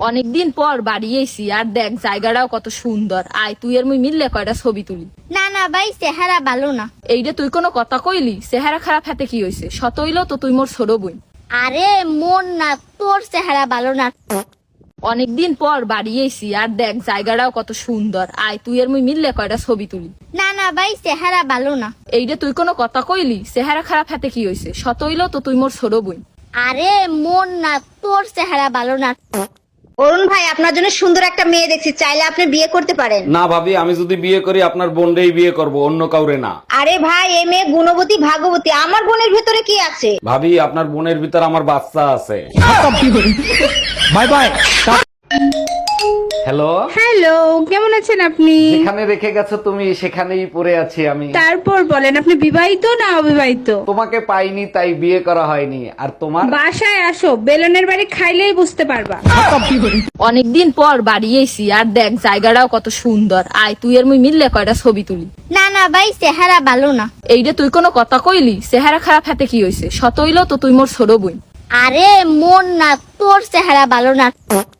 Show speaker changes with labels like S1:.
S1: অনেকদিন পর বাড়ি এসি আর দেখ জায়গাটাও কত সুন্দর। আয় তুই আর মুই মিললে কয়টা ছবি তুলি।
S2: না না ভাই, চেহারা ভালো না।
S1: এইটা তুই কোনো কথা কইলি? চেহারা খারাপ হাতে কি হয়েছে? শত হইলো তো তুই মোর ছোট বই।
S2: আরে মন না, তোর চেহারা ভালো না।
S1: অনেকদিন পর বাড়ি এসি আর দেখ জায়গাটাও কত সুন্দর। আয় তুই আর মুই মিললে কয়টা ছবি তুলি।
S2: না না ভাই, চেহারা ভালো না।
S1: এইটা তুই কোনো কথা কইলি? চেহারা খারাপ হাতে কি হয়েছে? শত হইলো তো তুই মোর ছোট বই।
S2: আরে মন না, তোর চেহারা ভালো না।
S3: অরুণ ভাই, আপনার জন্য সুন্দর একটা মেয়ে দেখছি, চাইলে আপনি বিয়ে করতে পারেন।
S4: না ভাবি, আমি যদি বিয়ে করি আপনার বোনকেই বিয়ে করব, অন্য কাউরে না।
S3: আরে ভাই, এই মেয়ে গুণবতী ভাগবতী, আমার বোনের ভেতরে কি আছে?
S4: ভাবি, আপনার বোনের ভিতর আমার বাচ্চা আছে।
S5: Bye bye.
S4: হ্যালো,
S6: হ্যালো, কেমন আছেন আপনি?
S4: যেখানে রেখে গেছো তুমি সেখানেই পড়ে আছি আমি।
S6: তারপর বলেন, আপনি বিবাহিত না অবিবাহিত?
S4: তোমাকে পাইনি তাই বিয়ে করা হয়নি। আর তোমার?
S6: বাসায় আসো, বেলনের বাড়ি খাইলেই বুঝতে পারবা।
S1: অনেকদিন পর বাড়ি এসি আর দেখ জায়গাটাও কত সুন্দর। আয় তুই আর মুই মিললে কয়টা ছবি তুলি।
S2: না না ভাই, চেহারা ভালো না।
S1: এইটা তুই কোনো কথা কইলি? চেহারা খারাপ হাতে কি হয়েছে? শত হইলো তো তুই মোর ছোট বই।
S2: আরে মন না, তোর চেহারা ভালো না।